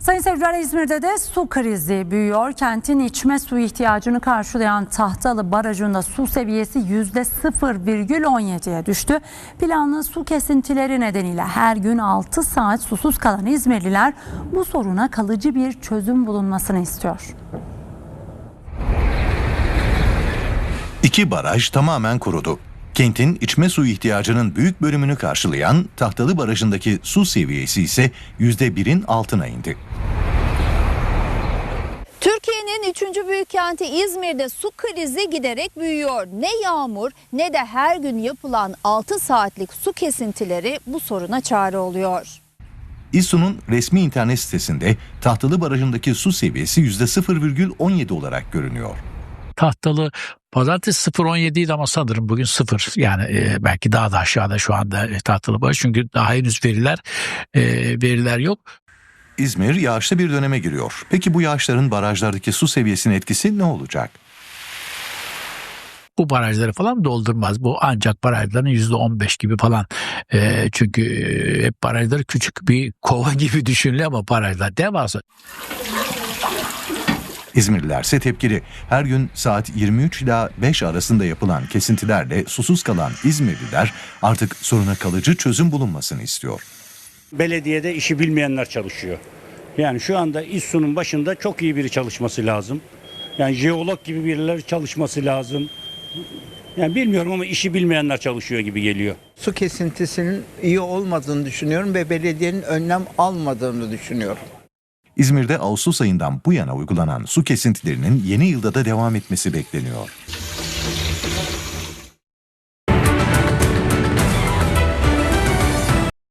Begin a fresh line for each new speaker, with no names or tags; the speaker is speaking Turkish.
Sayın seyirciler, İzmir'de de su krizi büyüyor. Kentin içme suyu ihtiyacını karşılayan Tahtalı Barajı'nda su seviyesi %0,17'ye düştü. Planlı su kesintileri nedeniyle her gün 6 saat susuz kalan İzmirliler bu soruna kalıcı bir çözüm bulunmasını istiyor.
İki baraj tamamen kurudu. Kentin içme suyu ihtiyacının büyük bölümünü karşılayan Tahtalı Barajı'ndaki su seviyesi ise %1'in altına indi.
Türkiye'nin 3. büyük kenti İzmir'de su krizi giderek büyüyor. Ne yağmur ne de her gün yapılan 6 saatlik su kesintileri bu soruna çare oluyor.
İSSU'nun resmi internet sitesinde Tahtalı Barajı'ndaki su seviyesi %0,17 olarak görünüyor.
Tahtalı pazartesi 0,17 idi ama sanırım bugün 0. Yani belki daha da aşağıda şu anda Tahtalı Baraj, çünkü daha henüz veriler yok.
İzmir yağışlı bir döneme giriyor. Peki bu yağışların barajlardaki su seviyesinin etkisi ne olacak?
Bu barajları falan doldurmaz. Bu ancak barajların %15 gibi falan. Çünkü hep barajları küçük bir kova gibi düşünülüyor ama barajlar devasa.
İzmirliler ise tepkili. Her gün saat 23 ila 5 arasında yapılan kesintilerle susuz kalan İzmirliler artık soruna kalıcı çözüm bulunmasını istiyor.
Belediyede işi bilmeyenler çalışıyor. Yani şu anda İSSU'nun başında çok iyi biri çalışması lazım. Yani jeolog gibi birileri çalışması lazım. Yani bilmiyorum ama işi bilmeyenler çalışıyor gibi geliyor.
Su kesintisinin iyi olmadığını düşünüyorum ve belediyenin önlem almadığını düşünüyorum.
İzmir'de Ağustos ayından bu yana uygulanan su kesintilerinin yeni yılda da devam etmesi bekleniyor.